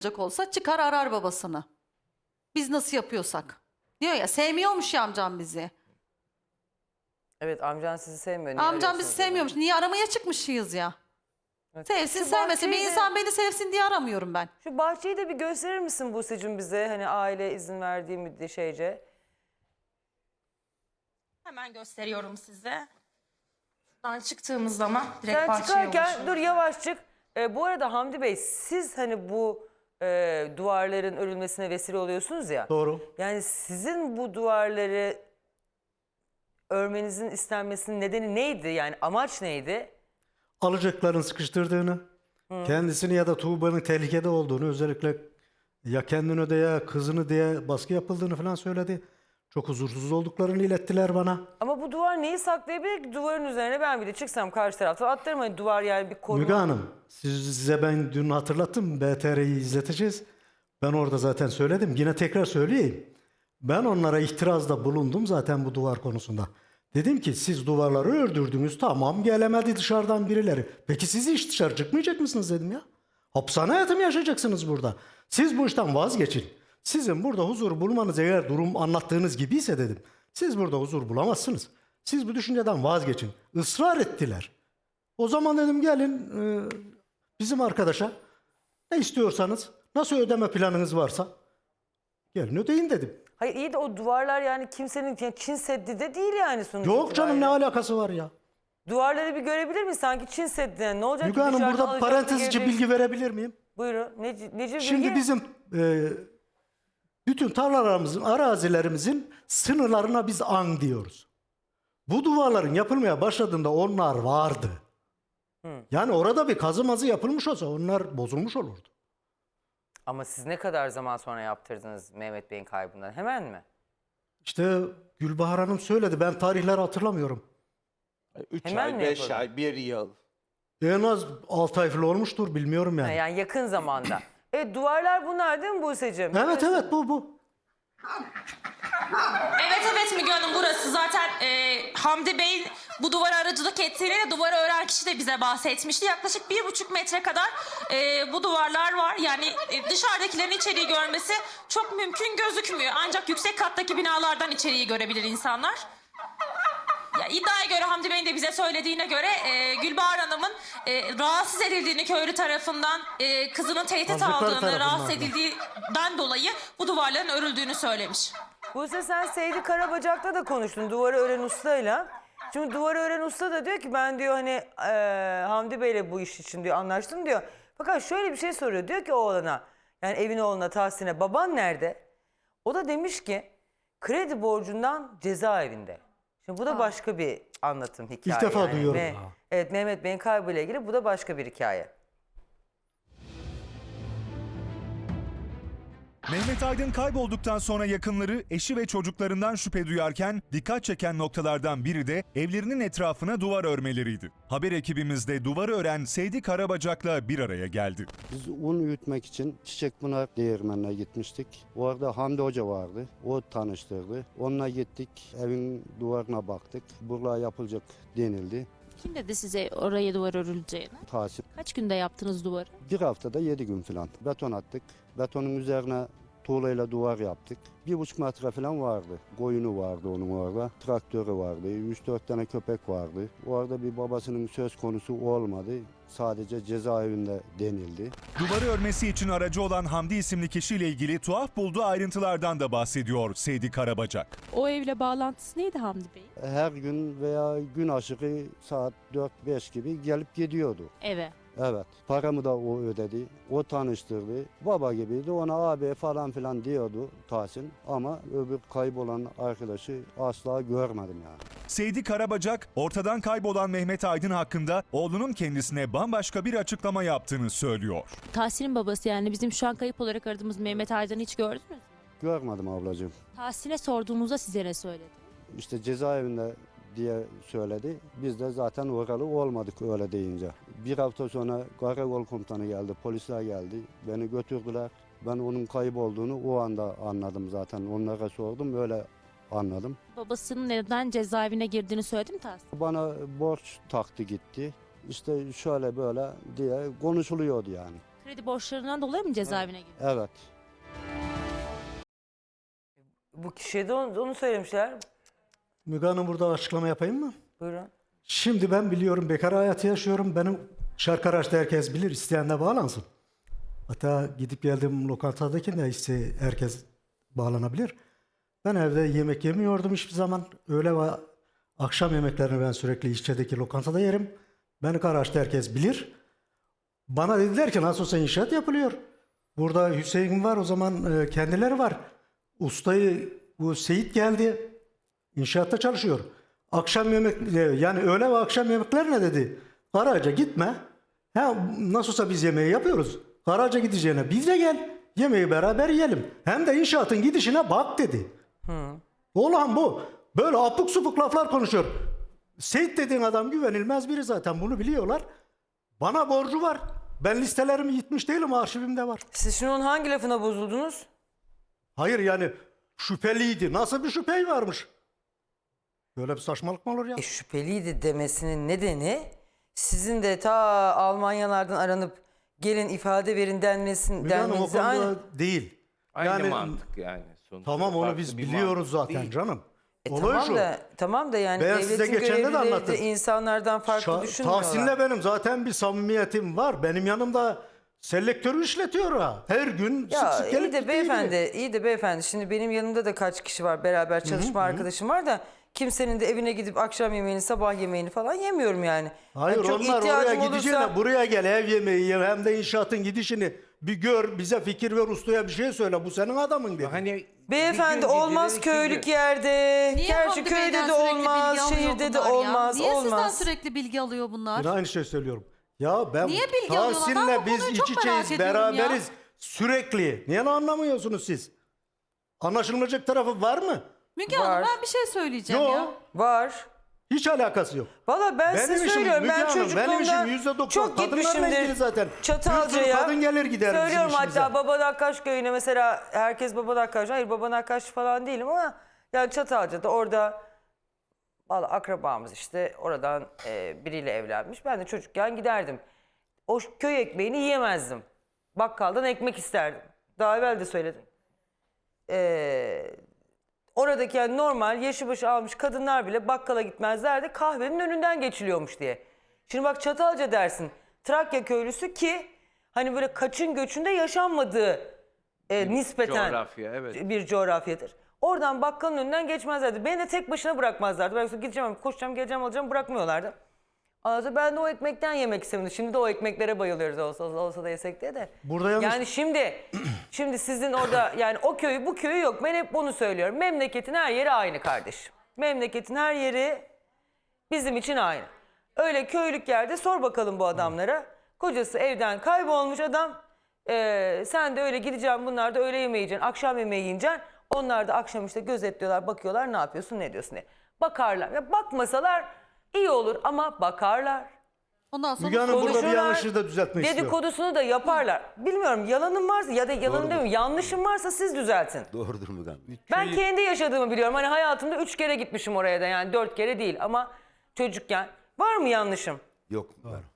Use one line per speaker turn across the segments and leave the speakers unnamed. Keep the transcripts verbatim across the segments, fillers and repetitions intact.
olsa çıkar arar babasını. Biz nasıl yapıyorsak. Diyor ya sevmiyormuş ya amcam bizi.
Evet, amcan sizi sevmiyor. Niye
Amcam bizi
arıyorsunuz o zaman?
sevmiyormuş. Niye aramaya çıkmışız ya?
Evet.
Sevsin
Şu
sevmesin. Bir
bahçeyi de-
insan beni sevsin diye aramıyorum ben.
Şu bahçeyi de bir gösterir misin Buse'cim bize? Hani aile izin verdiği müddet şeyce.
Hemen gösteriyorum size. Buradan çıktığımız zaman direkt
Sen
bahçeye
çıkarken
ulaşıyoruz.
dur yavaş çık. Ee, bu arada Hamdi Bey, siz hani bu e, duvarların örülmesine vesile oluyorsunuz ya.
Doğru.
Yani sizin bu duvarları örmenizin istenmesinin nedeni neydi? Yani amaç neydi?
Alacakların sıkıştırdığını, kendisini ya da Tuğba'nın tehlikede olduğunu, özellikle ya kendini de ya kızını diye baskı yapıldığını falan söyledi. Çok huzursuz olduklarını ilettiler bana.
Ama bu duvar neyi saklayabilir ki? Duvarın üzerine ben bir de çıksam karşı tarafta atlarım. Hani duvar yani bir koruma.
Müge Hanım, siz, size ben dün hatırlattım, B T R'yi izleteceğiz. Ben orada zaten söyledim, yine tekrar söyleyeyim. Ben onlara itirazda bulundum zaten bu duvar konusunda. Dedim ki siz duvarları ördürdünüz, tamam, gelemedi dışarıdan birileri. Peki siz hiç dışarı çıkmayacak mısınız dedim ya. Hapishane hayatı mı yaşayacaksınız burada? Siz bu işten vazgeçin. Sizin burada huzur bulmanız eğer durum anlattığınız gibiyse dedim. Siz burada huzur bulamazsınız. Siz bu düşünceden vazgeçin. Israr ettiler. O zaman dedim gelin e, bizim arkadaşa ne istiyorsanız, nasıl ödeme planınız varsa gelin ödeyin dedim.
Hayır iyi de o duvarlar yani kimsenin yani Çin Seddi de değil yani sonuç
Yok canım, ne
itibariyle.
alakası var ya?
Duvarları bir görebilir miyiz? Sanki Çin Seddi. Yani ne olacak
Müge
ki
Hanım,
dışarıdan
burada
alacaksın,
parantezci
geleceksin.
bilgi verebilir miyim?
Buyurun. Nece, nece
Şimdi
bilgi?
bizim e, bütün tarlalarımızın, arazilerimizin sınırlarına biz an diyoruz. Bu duvarların yapılmaya başladığında onlar vardı. Yani orada bir kazı mazı yapılmış olsa onlar bozulmuş olurdu.
Ama siz ne kadar zaman sonra yaptırdınız Mehmet Bey'in kaybından? Hemen mi?
İşte Gülbahar Hanım söyledi, ben tarihleri hatırlamıyorum.
üç
Hemen
ay,
mi
beş
yapıldı?
ay, bir yıl.
En az altı ay falan olmuştur, bilmiyorum
Ha,
yani.
yani yakın zamanda. Evet, duvarlar bunlar değil mi Buse'cim?
Evet evet, bu bu.
Evet evet Müge Hanım, burası zaten e, Hamdi Bey bu duvara aracılık ettiğini, duvarı ören kişi de bize bahsetmişti. Yaklaşık bir buçuk metre kadar e, bu duvarlar var. Yani e, dışarıdakilerin içeriği görmesi çok mümkün gözükmüyor. Ancak yüksek kattaki binalardan içeriği görebilir insanlar. Ya, iddiaya göre Hamdi Bey'in de bize söylediğine göre e, Gülbahar Hanım'ın e, rahatsız edildiğini köylü tarafından, e, kızının tehdit
Hazırlıklar
aldığını,
tarafından
rahatsız
da.
edildiğinden dolayı bu duvarların örüldüğünü söylemiş.
Buse, sen Seydi Karabacak'la da konuştun, duvarı ören ustayla. Şimdi duvarı ören usta da diyor ki ben diyor hani e, Hamdi Bey'le bu iş için diyor anlaştım diyor. Fakat şöyle bir şey soruyor, diyor ki oğlana, yani evin oğluna Tahsin'e, baban nerede? O da demiş ki kredi borcundan cezaevinde. Şimdi bu da başka bir anlatım, hikaye.
İlk defa
yani.
duyuyorum.
Ve-
Ha.
evet, Mehmet Bey'in kaybıyla ilgili bu da başka bir hikaye.
Mehmet Aydın kaybolduktan sonra yakınları, eşi ve çocuklarından şüphe duyarken dikkat çeken noktalardan biri de evlerinin etrafına duvar örmeleriydi. Haber ekibimiz de duvarı ören Seydi Karabacak'la bir araya geldi.
Biz un üyütmek için Çiçekpınar Değirmeni'ne gitmiştik. Orada Hamdi Hoca vardı. O tanıştırdı. Onunla gittik. Evin duvarına baktık. Burla yapılacak denildi.
Kim dedi size oraya duvar örüleceğini?
Tahsin.
Kaç günde yaptınız duvarı?
Bir haftada yedi gün falan. Beton attık. Betonun üzerine tuğlayla duvar yaptık. Bir buçuk metre falan vardı. Koyunu vardı onun orada. Traktörü vardı. Üç dört tane köpek vardı. Orada bir babasının söz konusu olmadı. Sadece cezaevinde denildi.
Duvarı örmesi için aracı olan Hamdi isimli kişiyle ilgili tuhaf bulduğu ayrıntılardan da bahsediyor Seydi Karabacak.
O evle bağlantısı neydi Hamdi Bey?
Her gün veya gün aşırı saat dört beş gibi gelip gidiyordu.
Eve.
Evet. Paramı da o ödedi. O tanıştırdı. Baba gibiydi. Ona abi falan filan diyordu Tahsin. Ama öbür kaybolan arkadaşı asla görmedim yani.
Seydi Karabacak, ortadan kaybolan Mehmet Aydın hakkında oğlunun kendisine bambaşka bir açıklama yaptığını söylüyor.
Tahsin'in babası, yani bizim şu an kayıp olarak aradığımız Mehmet Aydın'ı hiç gördünüz mü?
Görmedim ablacığım.
Tahsin'e sorduğumuzda size ne söyledi?
İşte cezaevinde diye söyledi. Biz de zaten oralı olmadık öyle deyince. Bir hafta sonra karakol komutanı geldi, polisler geldi. Beni götürdüler. Ben onun kayıp olduğunu o anda anladım zaten. Onlara sordum, öyle anladım.
Babasının neden cezaevine girdiğini söyledi mi Tahsin?
Bana borç taktı gitti. İşte şöyle böyle diye konuşuluyordu yani.
Kredi borçlarından dolayı mı cezaevine girdi?
Evet.
Bu kişiye de onu, onu söylemişler.
Müge Hanım, burada açıklama yapayım mı?
Buyurun.
Şimdi ben biliyorum, bekar hayatı yaşıyorum. Benim Şarkaraş'ta herkes bilir, isteyen de bağlansın. Hatta gidip geldiğim lokantadaki de iste herkes bağlanabilir. Ben evde yemek yemiyordum hiçbir zaman. Öğle ve akşam yemeklerini ben sürekli İşçe'deki lokantada yerim. Beni Karaş'ta herkes bilir. Bana dediler ki nasıl olsa inşaat yapılıyor. Burada Hüseyin var, o zaman e, kendileri var. Ustayı, bu Seyit geldi. İnşaatta çalışıyor. Akşam yemek, yani öğle ve akşam yemekler ne dedi? Karaca gitme. Ha, nasıl olsa biz yemeği yapıyoruz. Karaca gideceğine biz de gel. Yemeği beraber yiyelim. Hem de inşaatın gidişine bak dedi. Olan bu. Böyle apuk supuk laflar konuşuyor. Seyit dediğin adam güvenilmez biri zaten, bunu biliyorlar. Bana borcu var. Ben listelerimi yitmiş değilim, arşivimde var.
Siz şimdi onun hangi lafına bozuldunuz?
Hayır yani şüpheliydi. Nasıl bir şüphe varmış? Böyle bir saçmalık mı olur ya?
E, şüpheliydi demesinin nedeni sizin de ta Almanyalardan aranıp gelin ifade verin denmesin,
Müge Hanım, o
denmenize
konuda
aynı.
değil.
Aynı
Yani
mantık yani. Sonuçta
tamam, onu
farklı
biz
bir
biliyoruz
mantık
zaten
değil.
canım.
E,
Olay
tamam
şu.
da tamam da yani
Ben size
devletin
geçen de de
görevlileri de
anlattım.
insanlardan farklı
Şa-
düşünmüyorlar.
Tahsin'le benim zaten bir samimiyetim var. Benim yanımda selektörü işletiyor ha. Her gün
Ya
sık sık
iyi
gelip
de
gittiği
beyefendi,
gibi.
iyi de beyefendi. Şimdi benim yanımda da kaç kişi var, beraber çalışma arkadaşım var da kimsenin de evine gidip akşam yemeğini, sabah yemeğini falan yemiyorum yani.
Hayır,
Yani çok
onlar oraya
ihtiyacım
gideceğine
olursa-
buraya gel, ev yemeği ye, hem de inşaatın gidişini bir gör, bize fikir ver, ustaya bir şey söyle. Bu senin adamın dedi.
Hani
Beyefendi
bir gün
olmaz
gidilir, iki
köylük
gün.
yerde.
Niye
Gerçi
Hamdi
köyde
Bey'den
de
sürekli
olmaz,
bilgi alıyor
şehirde de
bunlar ya?
olmaz,
Niye sizden
olmaz.
sürekli bilgi alıyor bunlar?
Yine aynı şey söylüyorum. Ya ben
Niye bilgi alıyorlar? Ben
Tahsin'le
bu
biz
konuyu çok
iç
merak
içeyiz,
ediyorum
beraberiz.
ya.
Sürekli. Niye anlamıyorsunuz siz? Anlaşılmayacak tarafı var mı?
Müge
Var.
Hanım, ben bir şey söyleyeceğim
Yok.
ya.
Var.
Hiç alakası yok.
Valla ben
Benim
size
işim
söylüyorum.
Müge
Ben
Hanım, benim işim
çocukluğumda
yüzde doksan
çok
kadınlarla ilgili
gitmişimdir.
zaten. Bir
Çatalca'ya.
sürü kadın gelir gider bizim
Söylüyorum
işimize.
hatta Babanakkaş köyüne mesela, herkes Babanakkaş. Hayır, Babanakkaş falan değilim ama yani Çatalca'da orada valla akrabamız işte oradan e, biriyle evlenmiş. Ben de çocukken giderdim. O köy ekmeğini yiyemezdim. Bakkaldan ekmek isterdim. Daha evvel de söyledim. Eee Oradaki yani normal yaşı başı almış kadınlar bile bakkala gitmezlerdi, kahvenin önünden geçiliyormuş diye. Şimdi bak Çatalca dersin, Trakya köylüsü ki hani böyle kaçın göçünde yaşanmadığı e, nispeten
coğrafya, evet.
bir coğrafyadır. Oradan bakkalın önünden geçmezlerdi. Beni de tek başına bırakmazlardı. Ben gideceğim, koşacağım, geleceğim, alacağım, bırakmıyorlardı. Anladın? Ben de o ekmekten yemek istemedim. Şimdi de o ekmeklere bayılıyoruz, olsa, olsa da yesek diye de.
Burada yalnız-
Yani şimdi şimdi sizin orada yani o köyü bu köyü yok. Ben hep bunu söylüyorum. Memleketin her yeri aynı kardeşim. Memleketin her yeri bizim için aynı. Öyle köylük yerde sor bakalım bu adamlara. Kocası evden kaybolmuş adam. Ee, sen de öyle gideceksin, bunlar da öğle yemeği yiyeceksin, akşam yemeği yiyeceksin. Onlar da akşam işte gözetliyorlar, bakıyorlar ne yapıyorsun, ne diyorsun diye. Bakarlar. Ya bakmasalar iyi olur ama bakarlar.
Ondan sonra
Müge Hanım, burada bir
Konuşurlar,
yanlışı da düzeltmek istiyorum.
dedikodusunu da yaparlar. Bilmiyorum, yalanım varsa ya da yalanım demiyorum, yanlışım varsa siz düzeltin.
Doğrudur Müge Hanım.
Ben kendi yaşadığımı biliyorum. Hani hayatımda üç kere gitmişim oraya da, yani dört kere değil ama çocukken. Var mı yanlışım?
Yok Müge Hanım.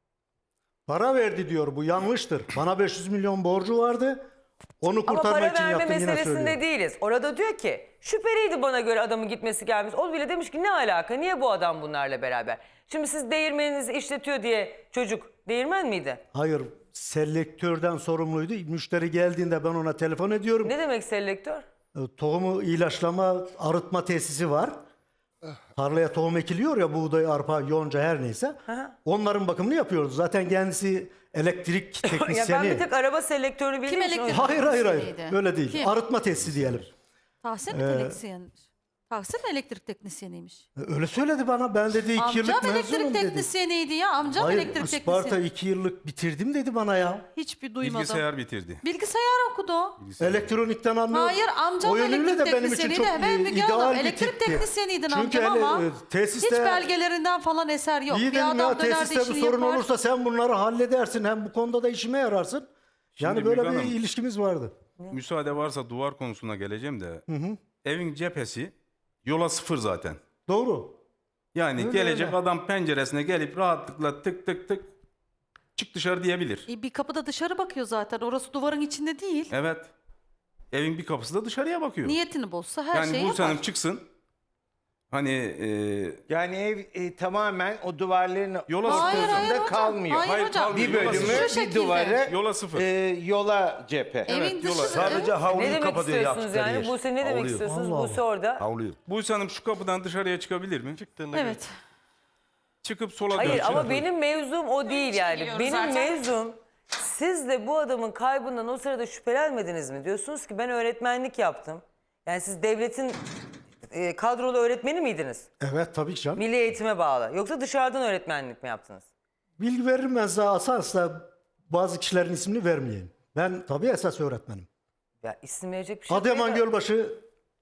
Para verdi diyor, bu yanlıştır. Bana beş yüz milyon borcu vardı. Onu
Ama
kurtarmak
para
için
verme
yaptım, yine
meselesinde
söylüyorum.
değiliz. Orada diyor ki şüpheliydi bana göre adamın gitmesi gelmesi. O bile demiş ki ne alaka, niye bu adam bunlarla beraber? Şimdi siz değirmeninizi işletiyor diye çocuk değirmen miydi?
Hayır, selektörden sorumluydu. Müşteri geldiğinde ben ona telefon ediyorum.
Ne demek selektör?
E, Tohumu ilaçlama, arıtma tesisi var. Tarlaya tohum ekiliyor ya, buğday, arpa, yonca her neyse.
Aha.
Onların bakımını yapıyoruz. Zaten kendisi elektrik
Ya ben
teknisyeni.
bir tek araba selektörünü bildiğim için o
elektrik-
yüzden-
Hayır hayır hayır.
Teknisyeniydi.
Öyle değil.
Kim?
Arıtma tesisi diyelim.
Tahsin mi
Ee,
teknisyenmiş? Tahsin mi elektrik teknisyeniymiş?
E, Öyle söyledi bana. Ben dedi iki yıllık
Amcam elektrik
mezunum dedi.
teknisyeniydi ya. Amcam
Hayır,
elektrik
Isparta
teknisyeni.
iki yıllık bitirdim dedi bana ya.
Hiçbir duymadım.
Bilgisayar bitirdi.
Bilgisayar okudu.
Elektronikten anlıyor.
Hayır, amcam
O yönüyle
elektrik
de benim için
teknisyeniydi.
çok
Ben
e,
Müge Hanım,
ideal bir
elektrik
tipti.
teknisyeniydin
Çünkü
amcam
hele,
ama
e, tesiste,
hiç belgelerinden falan eser yok.
İyi
Bir
dedim
adam
ya,
döner de
tesiste bir
işini
sorun
yapar.
olursa sen bunları halledersin. Hem bu konuda da işime yararsın. Yani
Şimdi
böyle
Müge
bir
Hanım,
ilişkimiz vardı.
Müsaade varsa duvar konusuna geleceğim de. Evin cephesi yola sıfır zaten.
Doğru.
Yani
Öyle,
gelecek
öyle.
adam penceresine gelip rahatlıkla tık tık tık çık dışarı diyebilir.
E, bir kapı da dışarı bakıyor zaten. Orası duvarın içinde değil.
Evet. Evin bir kapısı da dışarıya bakıyor.
Niyetini bozsa her
yani
şeyi
Buse
yapar.
Hanım çıksın. Hani e,
Yani ev e, tamamen o duvarların
Yola
Hayır,
sıfır.
hayır hocam.
kalmıyor.
Hayır,
Hayır,
hocam.
kalmıyor.
Bir
Yola
bölümü,
sıfır.
Şu
bir
şekilde.
duvarı
Yola sıfır.
e, yola cephe.
Evin
Evet, yola-
dışı.
Sadece
evet.
havluyu
Ne demek
kapatıyor
istiyorsunuz
yaptıkları
yani?
yer.
Buse ne demek
Havluyu.
istiyorsunuz?
Allah
Buse orada.
Havluyu.
Buse Hanım şu kapıdan dışarıya çıkabilir mi? Çıktığında
Evet.
çıkıp sola
Hayır
dönecek.
ama benim mevzum o değil
için
yani.
geliyoruz
Benim
zaten.
mevzum siz de bu adamın kaybından o sırada şüphelenmediniz mi? Diyorsunuz ki ben öğretmenlik yaptım. Yani siz devletin e, kadrolu öğretmeni miydiniz?
Evet tabii ki canım.
Milli eğitime bağlı. Yoksa dışarıdan öğretmenlik mi yaptınız?
Bilgi veririm ben size asarsa bazı kişilerin ismini vermeyeyim. Ben tabii esas öğretmenim.
Ya isim verecek bir şey yok.
Adıyaman Gölbaşı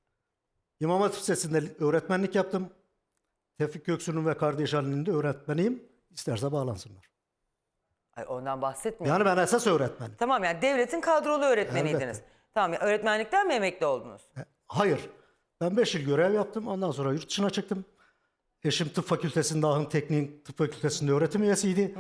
İmam Hatip Lisesi'nde öğretmenlik yaptım. Tevfik Göksu'nun ve kardeş halinin de öğretmeniyim. İsterse bağlansınlar.
Ay, ondan bahsetmiyorum.
Yani ben esas öğretmenim.
Tamam yani devletin kadrolu öğretmeniydiniz.
Elbette.
Tamam ya öğretmenlikten mi emekli oldunuz?
Hayır. Ben beş yıl görev yaptım. Ondan sonra yurt dışına çıktım. Eşim tıp fakültesinde, Ahın Teknik Tıp Fakültesinde öğretim üyesiydi.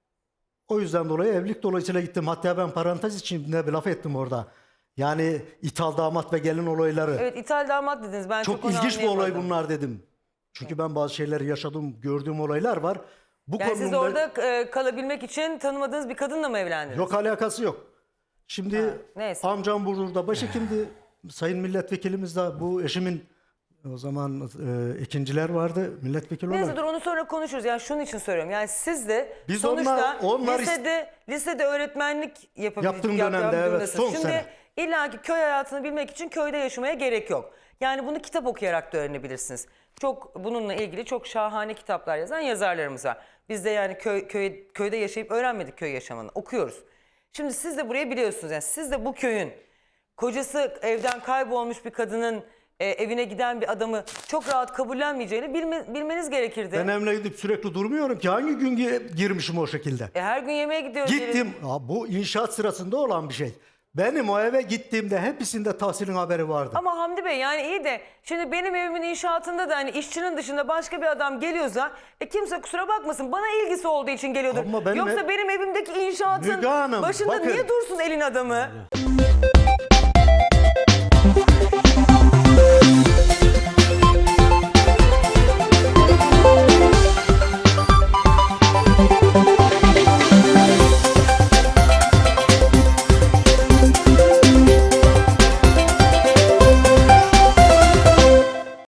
O yüzden dolayı evlilik dolayısıyla gittim. Hatta ben parantez içinde bir laf ettim orada. Yani ithal damat ve gelin olayları.
Evet ithal damat dediniz. Ben çok,
Çok
onu
ilginç bir olay
anlayamadım.
bunlar dedim. Çünkü ben bazı şeyleri yaşadım, gördüğüm olaylar var. Bu
Yani siz
konumda-
orada e, kalabilmek için tanımadığınız bir kadınla mı evlendiniz?
Yok alakası yok. Şimdi
neyse.
amcam Burdur'da başhekimdi. Sayın milletvekilimiz de bu eşimin o zaman e, ikinciler vardı milletvekili
Neyse
olarak.
dur onu sonra konuşuruz. Yani şunun için soruyorum. Yani siz de
Biz
sonuçta
onlar- onlar is-
lisede lisede öğretmenlik yapabilecek
Yaptığım dönemde, evet, son
Şimdi
sene.
illaki köy hayatını bilmek için köyde yaşamaya gerek yok. Yani bunu kitap okuyarak da öğrenebilirsiniz. Çok bununla ilgili çok şahane kitaplar yazan yazarlarımız var. Biz de yani köy, köy köyde yaşayıp öğrenmedik köy yaşamını. Okuyoruz. Şimdi siz de burayı biliyorsunuz. Yani siz de bu köyün kocası evden kaybolmuş bir kadının e, evine giden bir adamı çok rahat kabullenmeyeceğini bilme- bilmeniz gerekirdi.
Ben evine gidip sürekli durmuyorum ki. Hangi gün gi- girmişim o şekilde?
E, her gün yemeğe gidiyoruz.
Gittim. Ha, bu inşaat sırasında olan bir şey. Benim o eve gittiğimde hepsinde tahsilin haberi vardı.
Ama Hamdi Bey yani iyi de şimdi benim evimin inşaatında da hani işçinin dışında başka bir adam geliyorsa e, kimse kusura bakmasın bana ilgisi olduğu için geliyordur.
Ama benim
Yoksa
ev-
benim evimdeki inşaatın
Müge Hanım,
başında
bakın.
niye dursun elin adamı?